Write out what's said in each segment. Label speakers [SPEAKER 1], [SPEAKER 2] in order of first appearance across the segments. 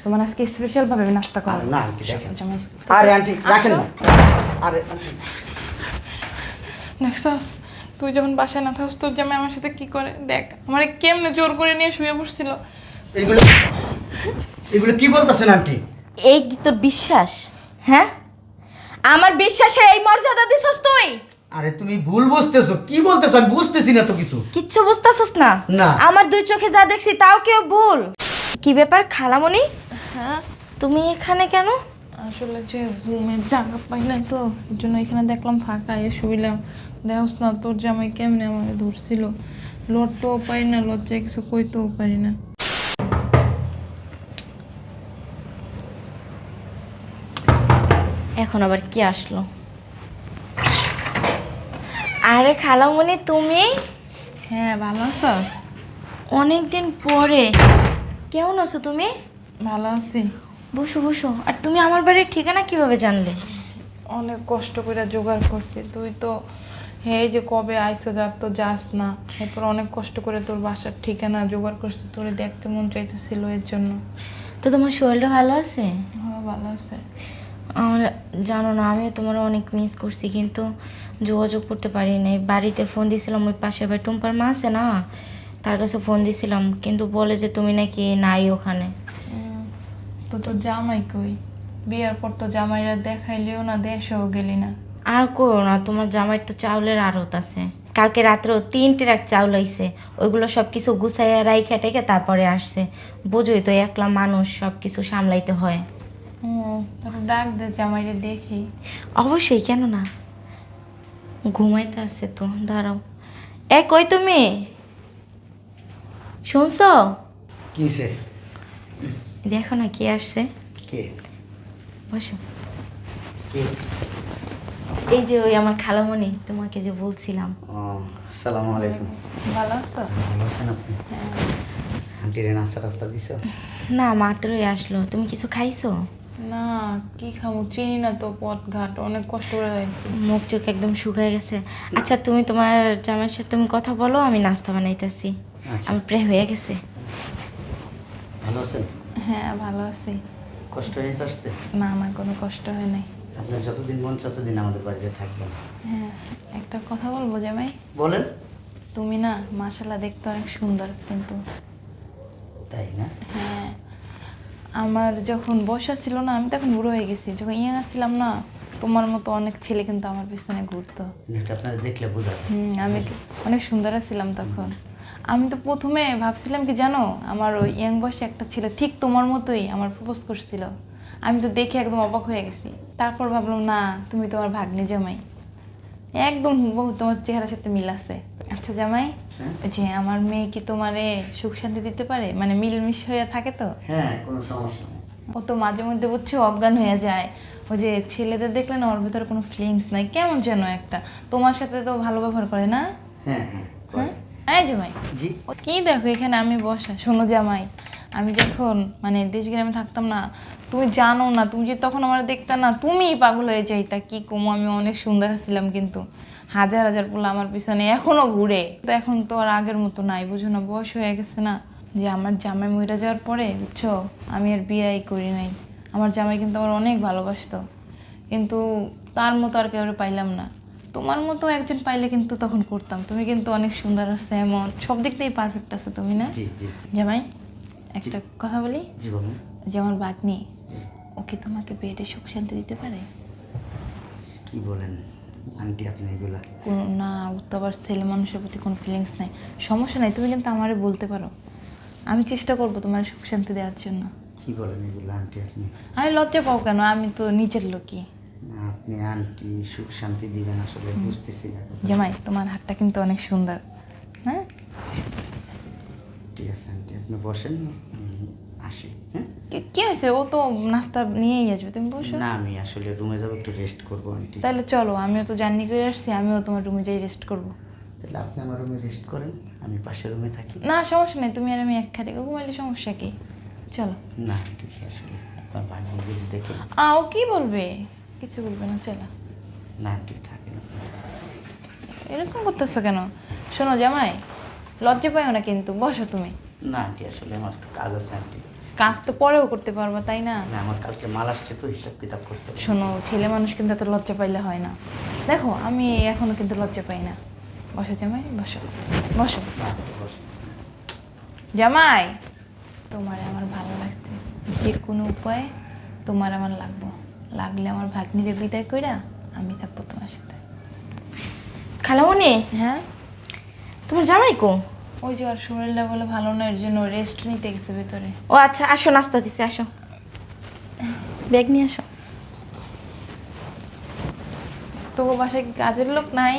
[SPEAKER 1] তোমার আজকে স্পেশাল ভাবে আমি নাস্তা করব।
[SPEAKER 2] না আন্টি দেখেন।
[SPEAKER 1] জামাই
[SPEAKER 2] আরে আন্টি রাখেন না। আরে
[SPEAKER 1] নেক্সাস, তুই যখন বাসায় না থাকস তোর জামাই আমার সাথে কি করে দেখ, আমার কেমনে জোর করে নিয়ে শুয়ে বসছিল।
[SPEAKER 2] এগুলো এগুলো কি বলতেছেন আন্টি?
[SPEAKER 3] এই কি তোর বিশ্বাস? হ্যাঁ, আমার বিশ্বাসের এই মর্যাদা দিছস তুই?
[SPEAKER 2] আরে তুমি ভুল বুঝতেছো, কি বলতেছো আমি বুঝতেছি না তো কিছু।
[SPEAKER 3] কিচ্ছু বুঝতাছস না?
[SPEAKER 2] না।
[SPEAKER 3] আমার দুই চোখে যা দেখছি তাও কেউ ভুল। কি ব্যাপার খালামণি,
[SPEAKER 1] হ্যাঁ,
[SPEAKER 3] তুমি এখানে কেন?
[SPEAKER 1] আসলে যে ঘুমের জায়গা পাই না তো, এই জন্য এখানে দেখলাম ফাঁকা, এ শুইলাম। দেখস না তোর জামাই কেমনে আমাকে ধরছিল, লড়তেও পারি না, লজ্জায় কিছু কইতেও পারি না।
[SPEAKER 3] এখন আবার কি আসলো? আরে খালামণি তুমি?
[SPEAKER 1] হ্যাঁ, ভালো আছস?
[SPEAKER 3] অনেকদিন পরে। কেমন আছো তুমি?
[SPEAKER 1] ভালো আছি।
[SPEAKER 3] বসো বসো। আর তুমি আমার বাড়ির ঠিকানা কিভাবে জানলে?
[SPEAKER 1] অনেক কষ্ট করে জোগাড় করছি, তুই তো এই যে কবে আইসো, যার তো যাস না, এরপর অনেক কষ্ট করে তোর বাসার ঠিকানা জোগাড় করছি, তোরে দেখতে মন চাইতেছিল এর জন্য।
[SPEAKER 3] তো তোমার শরীরটা ভালো আছে?
[SPEAKER 1] হ্যাঁ, ভালো আছে।
[SPEAKER 3] আমার জানো না, আমিও তোমার অনেক মিস করছি, কিন্তু যোগাযোগ করতে পারি নাই। বাড়িতে ফোন দিয়েছিলাম, ওই পাশের ভাই টুম্পার মা আছে না, তার কাছে ফোন দিয়েছিলাম, কিন্তু বলে যে তুমি নাকি নাই ওখানে।
[SPEAKER 1] তো তোর জামাই কই? বিয়ার পর তো জামাইরা দেখাইলেও না, দেশেও গেলি না।
[SPEAKER 3] আর করো না, তোমার জামাইয়ের তো চাউলের আড়ত আছে। কালকে রাত্রেও 3 ট্রাক চাউল হইছে, ওইগুলো সব কিছু গুছাইয়া রাইখা টেখে তারপরে আসছে। বোঝোই তো, একলা মানুষ, সব কিছু সামলাইতে হয়।
[SPEAKER 1] তোর ডাক দে, জামাইরে দেখি।
[SPEAKER 3] অবশ্যই, কেন না। ঘুমাইতে আছে তো, দাঁড়াও। কই তুমি? শুনছো?
[SPEAKER 2] কিসে?
[SPEAKER 3] দেখো না কে আসছে।
[SPEAKER 2] কে?
[SPEAKER 3] বসো।
[SPEAKER 2] কে?
[SPEAKER 3] এই যে ওই আমার খালামণি, তোমাকে যে বলছিলাম।
[SPEAKER 2] আসসালামু আলাইকুম।
[SPEAKER 1] ভালো আছো?
[SPEAKER 2] ভালো আছেন আপনি? আন্টিরে নাস্তা টাস্তা দিছো?
[SPEAKER 3] না, মাত্রই আসলো। তুমি কিছু খাইছো?
[SPEAKER 1] না, কি খাবো, চিনি না তো, পথ ঘাট অনেক কষ্ট করে যাইছি।
[SPEAKER 3] মুখ চোখ একদম শুকায় গেছে। আচ্ছা, তুমি তোমার জামাইয়ের সাথে তুমি কথা বলো, আমি নাস্তা বানাইতেছি।
[SPEAKER 2] আচ্ছা।
[SPEAKER 3] আমার প্রায় হয়ে গেছে।
[SPEAKER 2] ভালো আছেন?
[SPEAKER 1] হ্যাঁ, ভালো আছি।
[SPEAKER 2] কষ্ট হয়ে যেতে আসতে?
[SPEAKER 1] না, আমার কোনো কষ্ট হয় নাই।
[SPEAKER 2] আপনার যতদিন মন ততদিন আমাদের বাড়িতে থাকবেন।
[SPEAKER 1] হ্যাঁ, একটা কথা বলবো জামাই?
[SPEAKER 2] বলেন।
[SPEAKER 1] তুমি না মাশাআল্লাহ দেখতে অনেক সুন্দর, কিন্তু
[SPEAKER 2] তাই না?
[SPEAKER 1] হ্যাঁ, আমার যখন বয়স ছিল না, আমি তখন বুড়ো হয়ে গেছি, যখন ইয়াং ছিলাম না, তোমার মতো অনেক ছেলে কিন্তু আমার পিছনে ঘুরতো।
[SPEAKER 2] এটা আপনারা দেখলে বোঝা যায়।
[SPEAKER 1] আমি অনেক সুন্দর ছিলাম তখন। আমি তো প্রথমে ভাবছিলাম কি জানো, আমার ওই ইয়াং বয়সে একটা ছেলে ঠিক তোমার মতোই আমার প্রপোজ করছিল। আমি তো দেখে একদম অবাক হয়ে গেছি। তারপর ভাবলাম না, তুমি তোমার ভাগ্নি জামাই, একদম হুবহু তোমার চেহারার সাথে মিল আছে। আচ্ছা জামাই, যে আমার মেয়ে কি তোমারে সুখ শান্তি দিতে পারে, মানে মিলমিশ হয়ে থাকে তো?
[SPEAKER 2] হ্যাঁ, কোনো সমস্যা নেই।
[SPEAKER 1] ও তো মাঝে মধ্যে বুঝছো অজ্ঞান হয়ে যায়, ওই যে ছেলেদের দেখলে না ওর ভিতরে কোনো ফিলিংস নাই, কেমন যেন একটা। তোমার সাথে তো ভালো ব্যবহার করে না?
[SPEAKER 2] হ্যাঁ হ্যাঁ করে।
[SPEAKER 1] হ্যাঁ জামাই।
[SPEAKER 2] জি।
[SPEAKER 1] ও কি দেখো এখানে আমি বসা, শোনো জামাই, আমি যখন মানে দেশ গ্রামে থাকতাম না, তুমি জানো না, তুমি যে তখন আমার দেখতা না, তুমিই পাগল হয়ে যাইতা। কি কমো, আমি অনেক সুন্দর ছিলাম, কিন্তু হাজার হাজার পোলা আমার পিছনে এখনো ঘুরে। তো এখন তো আর আগের মতো নাই, বুঝো না, বয়স হয়ে গেছে না। যে আমার জামাই মরে যাওয়ার পরে বুঝছো, আমি আর বিয়েই করি নাই। আমার জামাই কিন্তু আমার অনেক ভালোবাসতো, কিন্তু তার মতো আর কেউ পাইলাম না। তোমার মতো একজন পাইলে কিন্তু তখন করতাম। তুমি কিন্তু অনেক সুন্দর আছে, এমন সব দিক থেকেই পারফেক্ট আছে তুমি না?
[SPEAKER 2] জি জি।
[SPEAKER 1] জামাই, একটা কথা বলি।
[SPEAKER 2] জি বলুন।
[SPEAKER 1] যে আমার বাগ্নি, ও কি তোমাকে বিয়েতে সুখ শান্তি দিতে পারে?
[SPEAKER 2] কি বলেন আন্টি আপনি এগুলা?
[SPEAKER 1] কোনো না, ও তো আবার ছেলে মানুষের প্রতি কোনো ফিলিংস নাই। সমস্যা নাই, তুমি কিন্তু আমারে বলতে পারো, আমি চেষ্টা করবো তোমার সুখ শান্তি দেওয়ার জন্য।
[SPEAKER 2] কি বলেন এগুলা আন্টি আপনি?
[SPEAKER 1] আরে লজ্জা পাও কেন, আমি তো নিচের লোকই।
[SPEAKER 2] না, আপনি আন্টি সুখ শান্তি দিবেন আসলে বুঝতেছি না।
[SPEAKER 1] জামাই, তোমার হাতটা কিন্তু অনেক সুন্দর। হ্যাঁ,
[SPEAKER 2] ঠিক আছে আন্টি, আপনি বসেন, আমি আসি। হ্যাঁ,
[SPEAKER 1] কি হয়েছে, ও তো নাস্তা নিয়েই আসবে, তুমি বসো।
[SPEAKER 2] না আমি আসলে রুমে যাবো, একটু রেস্ট করবো আন্টি।
[SPEAKER 1] তাহলে চলো, আমিও তো জার্নি করে আসছি, আমিও তোমার রুমে যাই রেস্ট করব।
[SPEAKER 2] তাহলে আপনি আমার রুমে রেস্ট করেন, আমি পাশের রুমে থাকি।
[SPEAKER 1] না সমস্যা নেই, তুমি আর আমি এক খাটে ঘুমাইলে সমস্যা কি? চলো।
[SPEAKER 2] না ঠিক আসলে আপনার ভাগ্য যদি দেখে।
[SPEAKER 1] ও কি বলবে? কিছু বলবে না, চলো।
[SPEAKER 2] না ঠিক থাকে না।
[SPEAKER 1] এরকম করতেছো কেন? শোনো জামাই, লজ্জা পাইও না কিন্তু, বসো তুমি।
[SPEAKER 2] না আন্টি আসলে আমার একটু কাজ আছে আন্টি,
[SPEAKER 1] কাজ তো পরেও করতে পারবো, তাই না?
[SPEAKER 2] না আমার কালকে মাল আসছে তো হিসাব কিতাব করতে হবে।
[SPEAKER 1] শোনো, ছেলে মানুষ কিন্তু এত লজ্জা পাইলে হয় না। দেখো আমি এখনো কিন্তু লজ্জা পাই না। বসো জামাই, বসো বসো।
[SPEAKER 2] না, বসো।
[SPEAKER 1] জামাই, তোমার আমার ভালো লাগছে, যে কোনো উপায়ে তোমার আমার লাগবো, লাগলে আমার ভাগ্নিরে বিদায় কইরা আমি থাকবো তোমার সাথে।
[SPEAKER 3] খালামণি,
[SPEAKER 1] হ্যাঁ,
[SPEAKER 3] তোমার জামাই কো?
[SPEAKER 1] ওই যে আর শরীরটা বলে ভালো না, এর জন্য রেস্ট নিতে গেছে ভেতরে।
[SPEAKER 3] ও আচ্ছা, আসো নাস্তা দিছে, আসো ব্যাগ নিয়ে আসো।
[SPEAKER 1] তোকে বাসায় কি কাজের লোক নাই?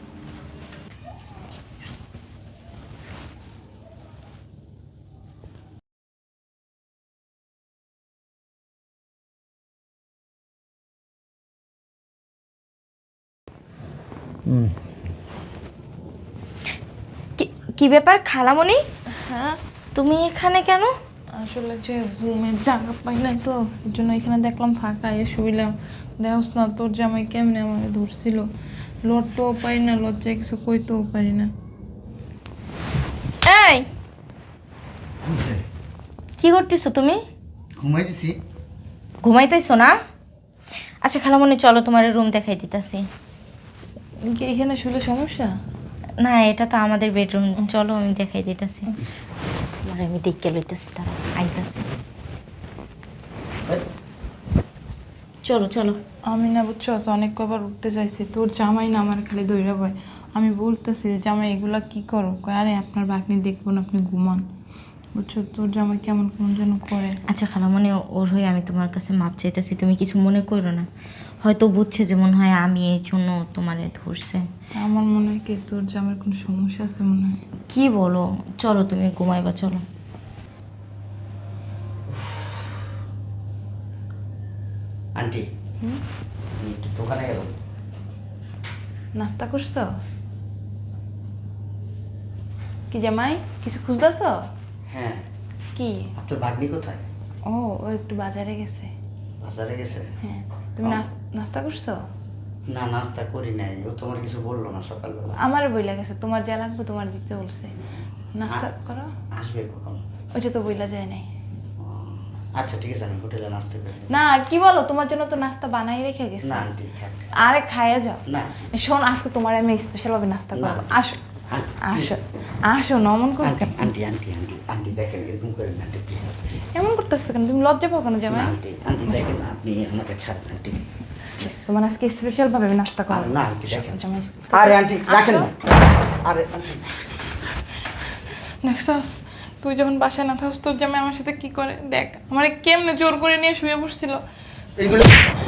[SPEAKER 3] কি ব্যাপার খালামণি,
[SPEAKER 1] হ্যাঁ,
[SPEAKER 3] তুমি এখানে কেন?
[SPEAKER 1] আসলে যে ঘুমের জায়গা পাই না তো, এর জন্য এখানে দেখলাম ফাঁকা, এ শুইলাম। দেখোস না তোর জামাই কেমনে আমাকে ধরছিল, লড়তেও পারি না, লজ্জায় কিছু কইতেও পারি না।
[SPEAKER 3] এই কি করতেছো তুমি?
[SPEAKER 2] ঘুমাই দিছি।
[SPEAKER 3] ঘুমাইতেছো না? আচ্ছা খালামণি, চলো তোমার রুম দেখাই দিতেছি।
[SPEAKER 1] কি এখানে শুলে সমস্যা?
[SPEAKER 3] না, এটা তো আমাদের বেডরুম, চলো আমি দেখাই দিতেছি। তোমার আমি দেখে লইতেছি, তারা আইতাছি। চলো চলো।
[SPEAKER 1] আমি না বুঝছো, অনেক কবার উঠতে চাইছি, তোর জামাই না আমার খালি দৌড়া পায়। আমি বলতেছি যে জামাই এগুলা কি করো, কয় আরে আপনার ভাগ্নি দেখবো না, আপনি ঘুমান। বুঝছো, তোর জামাই কেমন কেমন যেন করে।
[SPEAKER 3] আচ্ছা খালামণি, ওর হয়ে আমি তোমার কাছে মাপ চাইতেছি, তুমি কিছু মনে করো না। হয়তো বুঝছে যে মনে হয় আমি এই জন্য তোমারে ধরছে।
[SPEAKER 1] আমার মনে হয় কি তোর জামাইয়ের কোনো সমস্যা আছে মনে হয়।
[SPEAKER 3] কি বলো, চলো তুমি ঘুমাইবা, চলো।
[SPEAKER 2] আন্টি, আমি একটু দোকানে গেলাম।
[SPEAKER 1] নাস্তা করছো কি জামাই? কিছু খুঁজতেছ?
[SPEAKER 2] হ্যাঁ,
[SPEAKER 1] কি?
[SPEAKER 2] আপনার ভাগ্নি কোথায়?
[SPEAKER 1] ও ও একটু বাজারে গেছে।
[SPEAKER 2] বাজারে গেছে?
[SPEAKER 1] হ্যাঁ, তুমি নাস্তা করছো?
[SPEAKER 2] না, নাস্তা করি নাই। ও তোমার কিছু বললো না সকালবেলা?
[SPEAKER 1] আমার বইলা গেছে তোমার যা লাগবে তোমার দিতে বলছে। নাস্তা করো।
[SPEAKER 2] আসবে কখন?
[SPEAKER 1] ওইটা তো বইলা যায় নাই।
[SPEAKER 2] ও, আচ্ছা ঠিক আছে, আমি হোটেলে নাস্তা করি।
[SPEAKER 1] না, কি বলো, তোমার জন্য তো নাস্তা বানাই রেখে গেছে।
[SPEAKER 2] না আন্টি থাক।
[SPEAKER 1] আরে খাইয়ে যাও।
[SPEAKER 2] না
[SPEAKER 1] শোন, আজকে তোমার আমি স্পেশাল ভাবে নাস্তা
[SPEAKER 2] না।
[SPEAKER 1] করবো। আসো
[SPEAKER 2] আন্টি,
[SPEAKER 1] আসো আসো, নমন করে
[SPEAKER 2] aunty aunty aunty aunty aunty দেখেন, এরকম করেন না আন্টি প্লিজ।
[SPEAKER 1] এমন করতেছো কেন? তুমি লজ্জা পাও কেন জামাই?
[SPEAKER 2] আন্টি আন্টি দেখেন, আপনি আমাকে ছাড়েন আন্টি।
[SPEAKER 1] তোমার আজকে স্পেশাল ভাবে আমি নাস্তা করবো।
[SPEAKER 2] না আন্টি দেখেন।
[SPEAKER 1] জামাই,
[SPEAKER 2] আরে আন্টি রাখেন না। আরে আন্টি,
[SPEAKER 1] নেক্সাস, তুই যখন বাসায় না থাকস তোর জামাই আমার সাথে কি করে দেখ। আমার কেমনে জোর করে নিয়ে শুয়ে বসছিল।
[SPEAKER 2] এগুলো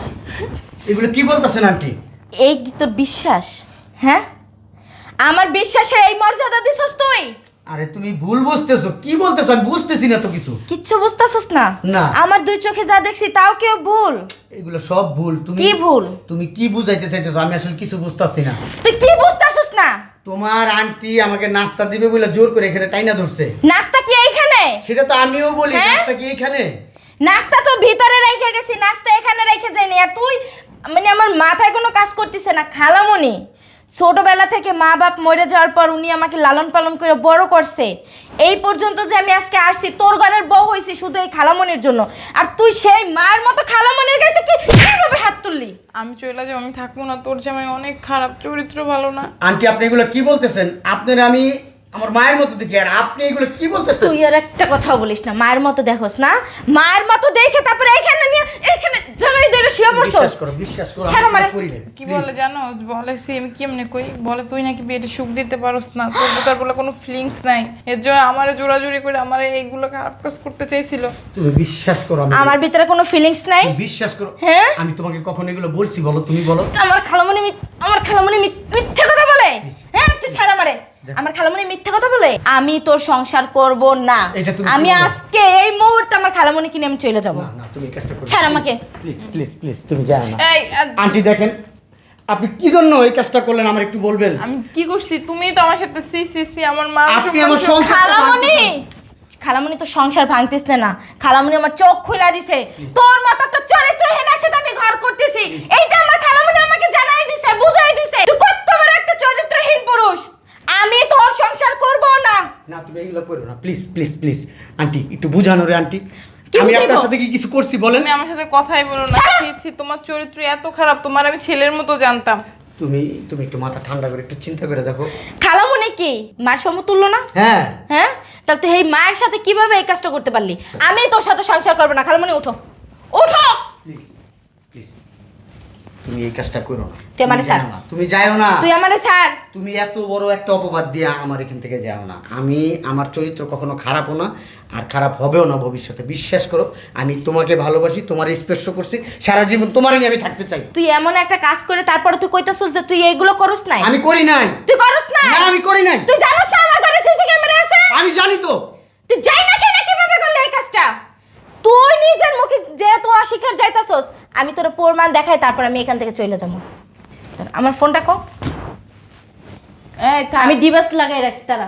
[SPEAKER 2] এগুলো কি বলতেছেন আন্টি?
[SPEAKER 3] এই কি তোর বিশ্বাস? হ্যাঁ, আমার বিশ্বাসের এই মর্যাদা দিছস তুই?
[SPEAKER 2] আরে তুমি ভুল বুঝতেছো, কি বলতেছো? আমি বুঝতেছি না তো কিছু।
[SPEAKER 3] কিচ্ছু বুঝতাছস না?
[SPEAKER 2] না।
[SPEAKER 3] আমার দুই চোখে যা দেখছি তাও কেউ ভুল?
[SPEAKER 2] এগুলো সব ভুল। তুমি
[SPEAKER 3] কি ভুল?
[SPEAKER 2] তুমি কি বুঝাইতে চাইতেছো? আমি আসলে কিছু বুঝতাছি না।
[SPEAKER 3] তুই কি বুঝতাছস না?
[SPEAKER 2] তোমার আন্টি আমাকে নাস্তা দিবে বলে জোর করে এখানে টাইনা ধরছে।
[SPEAKER 3] নাস্তা কি এইখানে?
[SPEAKER 2] সেটা তো আমিও বলি,
[SPEAKER 3] হ্যাঁ?
[SPEAKER 2] নাস্তা কি এখানে?
[SPEAKER 3] নাস্তা তো ভিতরে রেখে গেছি, নাস্তা এখানে রেখে যাইনি। আর তুই, মানে আমার মাথায় কোনো কাজ করতেছে না। খালামণি, ছোটবেলা থেকে মা বাপ মরে যাওয়ার পর উনি আমাকে লালন পালন করে বড় করছে। এই পর্যন্ত যে আমি আজকে আসছি, তোর ঘরের বউ হয়েছি শুধু এই খালামণির জন্য। আর তুই সেই মায়ের মতো খালামণির গায়ে তুই কিভাবে হাত তুললি?
[SPEAKER 1] আমি চলে যাবো, আমি থাকবো না। তোর জামাই অনেক খারাপ, চরিত্র ভালো না।
[SPEAKER 2] আন্টি আপনি এগুলো কি বলতেছেন? আপনার আমি আমার মায়ের মতো দেখি, আর আপনি এগুলো কি বলতেছেন?
[SPEAKER 3] তুই আর একটা কথা বলিস না। মায়ের মতো দেখোস না? মায়ের মতো দেখে তারপরে এইখানে নিয়ে এইখানে জামাই ধরে শুয়ে পড়ছস।
[SPEAKER 2] বিশ্বাস করো
[SPEAKER 3] ছাড়ো
[SPEAKER 2] আমি
[SPEAKER 3] আমারে।
[SPEAKER 2] করি নাই।
[SPEAKER 1] কি বলে জানো? বলে সে আমি কেমনে কই, বলে তুই নাকি বিয়েতে সুখ দিতে পারোস না, তোর তার বলে কোনো ফিলিংস নাই। এর জন্য আমারে জোরাজুরি করে আমারে এইগুলো খারাপ কাজ করতে চাইছিল।
[SPEAKER 2] তুমি বিশ্বাস করো, আমি
[SPEAKER 3] আমার ভিতরে কোনো ফিলিংস নাই?
[SPEAKER 2] তুমি বিশ্বাস করো।
[SPEAKER 3] হ্যাঁ?
[SPEAKER 2] আমি তোমাকে কখন এগুলো বলছি বলো? তুমি বলো।
[SPEAKER 3] আমার খালামণি মিথ্যা কথা বলে? হ্যাঁ, তুই ছাড় আমারে। আমার খালামণি মিথ্যা কথা বলে? আমি তোর সংসার করব না।
[SPEAKER 2] এটা তুমি
[SPEAKER 3] আমি
[SPEAKER 2] কি বলো?
[SPEAKER 3] আজকে এই মুহূর্তে আমার খালামণি কিনে আমি চলে যাব।
[SPEAKER 2] না না, তুমি এই কাজটা করো।
[SPEAKER 3] ছাড় আমাকে।
[SPEAKER 2] প্লিজ প্লিজ প্লিজ, তুমি যাও না।
[SPEAKER 1] এই
[SPEAKER 2] আন্টি দেখেন, আপনি কি জন্য এই কাজটা করলেন আমার একটু বলবেন?
[SPEAKER 1] আমি কি করছি? তুমিই তো আমার সাথে সি সি সি আমার মা
[SPEAKER 2] আপনি আমার সংসার
[SPEAKER 3] খালামণি তো সংসার ভাঙতিস না। খালামণি আমার চোখ খুলে দিছে। তোর মতো একটা চরিত্রহীন সাথে আমি ঘর করতেছি, এইটা আমার খালামণি আমাকে জানাই দিছে, বুঝাই দিছে। তুই কত বড় একটা চরিত্রহীন পুরুষ। আমি তোর সংসার করব না।
[SPEAKER 2] না, তুমি এগুলো করো না, প্লিজ প্লিজ প্লিজ। আন্টি একটু বুঝানো রে আন্টি।
[SPEAKER 3] কি
[SPEAKER 2] আমি
[SPEAKER 3] বুঝাইবো?
[SPEAKER 2] আপনার সাথে কি কিছু করছি বলেন?
[SPEAKER 1] তুমি আমার সাথে কথাই বলো না। ছি, তোমার চরিত্র এত খারাপ, তোমার আমি ছেলের মতো জানতাম।
[SPEAKER 2] তুমি তুমি একটু মাথা ঠান্ডা করে একটু চিন্তা করে দেখো।
[SPEAKER 3] খালামণি কি মার সমতুল্য না?
[SPEAKER 2] হ্যাঁ,
[SPEAKER 3] হ্যাঁ, তাহলে তুই এই মায়ের সাথে কিভাবে এই কাজটা করতে পারলি? আমি তোর সাথে সংসার করবো না। খালামণি ওঠো, ওঠো।
[SPEAKER 2] প্লিজ প্লিজ তুমি এই কাজটা করো না।
[SPEAKER 3] তুই আমারে ছাড়।
[SPEAKER 2] যাও না, তুমি যাও না।
[SPEAKER 3] তুই আমারে ছাড়।
[SPEAKER 2] তুমি এত বড় একটা অপবাদ দিয়ে আমার এখান থেকে যাও না। আমি আমার চরিত্র কখনো খারাপও না, আর খারাপ হবেও না ভবিষ্যতে। বিশ্বাস করো, আমি তোমাকে ভালোবাসি, তোমার স্পর্শ করছি, সারা জীবন তোমারই নিয়ে আমি থাকতে চাই।
[SPEAKER 3] তুই এমন একটা কাজ করে তারপরে তুই কইতাছস যে তুই এইগুলো করস নাই।
[SPEAKER 2] আমি করি নাই।
[SPEAKER 3] তুই করস না?
[SPEAKER 2] না, আমি করি নাই।
[SPEAKER 3] তুই জানিস না আমার ঘরে সিসি ক্যামেরা আছে?
[SPEAKER 2] আমি জানি তো।
[SPEAKER 3] তুই যাই না সেটা কিভাবে করলি এই কাজটা? তুই নিজের মুখে যেহেতু অস্বীকার যাইতাছস, আমি তোর প্রমাণ দেখাই, তারপর আমি এখান থেকে চলে যাবো। আমার ফোনটা কো।
[SPEAKER 1] এই থাম।
[SPEAKER 3] আমি ডিভাইস লাগাই রাখছি তারা।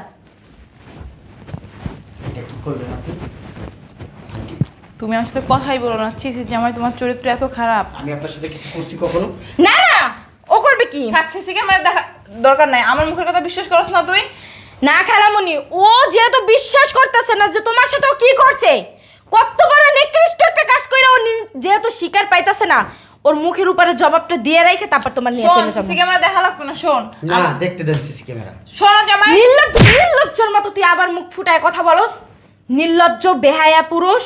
[SPEAKER 2] এটা কি করলেন আপনি?
[SPEAKER 1] তুমি আমার সাথে কথাই বলো না। ছি জামাই, তোমার চরিত্র এত খারাপ।
[SPEAKER 2] আমি আপনার সাথে কিছু করছি কখনো?
[SPEAKER 3] না না, ও করবে কি?
[SPEAKER 1] খাচ্ছি সিকে আমার দেখা দরকার নাই। আমার মুখের কথা বিশ্বাস করছ না তুই?
[SPEAKER 3] না খালামণি, ও যেহেতু বিশ্বাস করতেছে না যে তোমার সাথে ও কি করছে, কত বড় নিকৃষ্ট একটা কাজ কইরা ও যেহেতু স্বীকার পাইতাছে না, ওর মুখের উপরে জবাবটা দিয়ে রাখে তারপর তোমার নিয়ে
[SPEAKER 1] শোন,
[SPEAKER 3] চলে যাবো।
[SPEAKER 1] সিকে আমার দেখা লাগতো না। শোন
[SPEAKER 2] না, দেখতে দেন সিসি ক্যামেরা।
[SPEAKER 1] শোনো জামাই,
[SPEAKER 3] নির্লজ্জের মতো তুই আবার মুখ ফুটায় কথা বলস। নির্লজ্জ বেহায়া পুরুষ।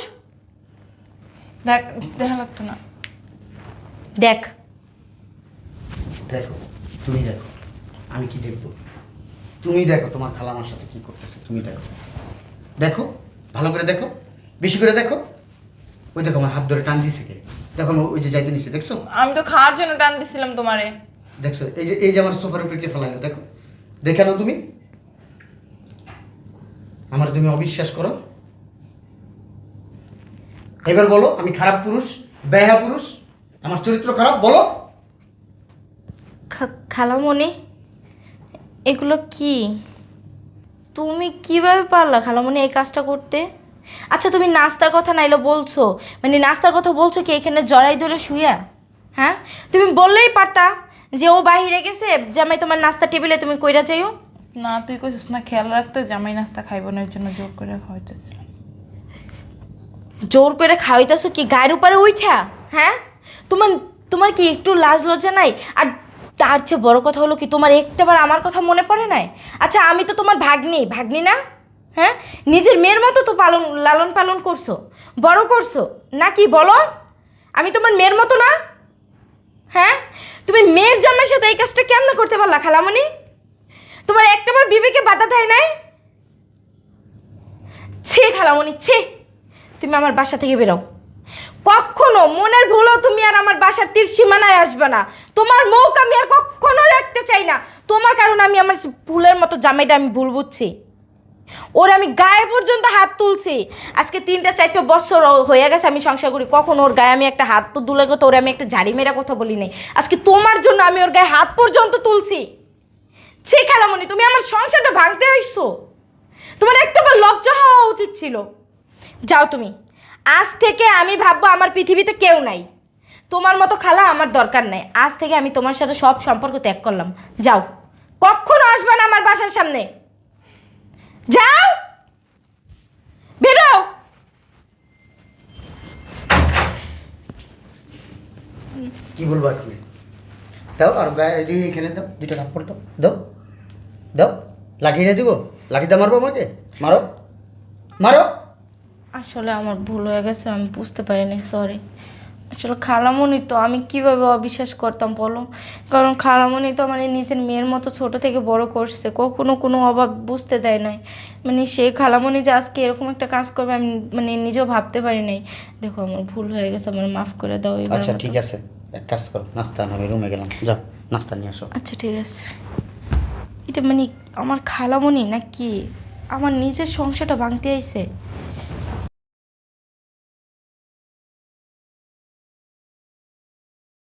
[SPEAKER 1] দেখা লাগতো না।
[SPEAKER 3] দেখ,
[SPEAKER 2] দেখো, তুমি দেখো, আমি কি দেখবো? তুমি দেখো তোমার খালামার সাথে কি করতেছে, তুমি দেখো। দেখো, ভালো করে দেখো, বেশি করে দেখো। ওই দেখো আমার হাত ধরে টান দিয়েছে কে? দেখো আমি ওই যে যাইতে নিছে, দেখছো?
[SPEAKER 1] আমি তো খাওয়ার জন্য টান দিছিলাম তোমারে।
[SPEAKER 2] দেখছো এই যে আমার সোফার উপরে কে ফেলাইলো, দেখো। দেখে নাও তুমি। আমার তুমি অবিশ্বাস করো। এবার বলো আমি খারাপ পুরুষ, বেহায়া পুরুষ, আমার চরিত্র খারাপ, বলো।
[SPEAKER 3] খালামণি এগুলো কি? তুমি কিভাবে পারলা খালামণি এই কাজটা করতে? আচ্ছা, তুমি নাস্তার কথা নাইলে বলছো, মানে নাস্তার কথা বলছো কি এখানে জড়াই ধরে শুইয়া? হ্যাঁ, তুমি বললেই পারতা যে ও বাহিরে গেছে, জামাই তোমার নাস্তা টেবিলে তুমি কইরা যাইও।
[SPEAKER 1] না, তুই কইছিস না খেয়াল রাখতে, জামাই নাস্তা খাইবো না, এর জন্য জোর করে খাওয়াইতেছিলাম।
[SPEAKER 3] জোর করে খাওয়াইতেছো কি গায়ের উপরে উঠা? হ্যাঁ, তোমার তোমার কি একটু লাজ লজ্জা নাই? আর তার চেয়ে বড় কথা হলো কি, তোমার একটাবার আমার কথা মনে পড়ে নাই? আচ্ছা, আমি তো তোমার ভাগ্নি, ভাগ্নি না? হ্যাঁ, নিজের মেয়ের মতো তো লালন পালন করছো, বড় করছো নাকি বলো? আমি তোমার মেয়ের মতো না? হ্যাঁ, তুমি মেয়ের জামাইয়ের সাথে এই কাজটা কেমন করতে পারলা খালামণি? তোমার একটাবার বিবেকে বাধা দেয় নাই? ছে খালামণি, ছে। তুমি আমার বাসা থেকে বেরো। কখনো মনের ভুলও তুমি আর আমার বাসার তীর সীমানায় আসবে না। তোমার মুখ আমি আর কখনো রাখতে চাই না। তোমার কারণে আমি আমার ভুলের মতো জামাইটা আমি ভুল বুঝছি। ওর আমি গায়ে পর্যন্ত হাত তুলছি। আজকে 3-4 বছর হয়ে গেছে আমি সংসার করি, কখন ওর গায়ে আমি একটা হাত তো তুলে কথা, ওরে আমি একটা ঝাড়ি মেরা কথা বলি নাই। আজকে তোমার জন্য আমি ওর গায়ে হাত পর্যন্ত তুলছি। ছি খালামণি, তুমি আমার সংসারটা ভাঙতে আসছো। তোমার একটাবার লজ্জা হওয়া উচিত ছিল। যাও তুমি। আজ থেকে আমি ভাববো আমার পৃথিবীতে কেউ নাই। তোমার মতো খালা আমার দরকার নাই। আজ থেকে আমি তোমার সাথে সব সম্পর্ক ত্যাগ করলাম। যাও, কখনো আসবে না আমার বাসার সামনে। যাও, বেরো।
[SPEAKER 2] কি বলবো আর কি? দাও, আর গায়ে এখানে দাও, 2টা থাপ্পড় দাও, দাও দাও। লাঠি এনে দিব? লাঠিতে মারবো আমাকে? মারো, মারো।
[SPEAKER 3] আসলে আমার ভুল হয়ে গেছে, আমি বুঝতে পারিনি, সরি। আসলে খালামণি তো আমি কিভাবে অবিশ্বাস করতাম বলো? কারণ খালামণি তো আমার নিজের মেয়ের মতো ছোট থেকে বড় করছে, কখনো কোনো অভাব বুঝতে দেয় নাই। মানে সেই খালামণি যে আজকে এরকম একটা কাজ করবে আমি মানে নিজেও ভাবতে পারি নাই। দেখো আমার ভুল হয়ে গেছে, আমার মাফ করে দাও এবার
[SPEAKER 2] আচ্ছা
[SPEAKER 3] মতো।
[SPEAKER 2] ঠিক আছে, এক কাজ করো, নাস্তা আনো, আমি রুমে গেলাম, যাও নাস্তা নিয়ে আসো।
[SPEAKER 3] আচ্ছা ঠিক আছে। এটা মানে আমার খালামণি নাকি আমার নিজের সংসারটা ভাঙতে আইছে?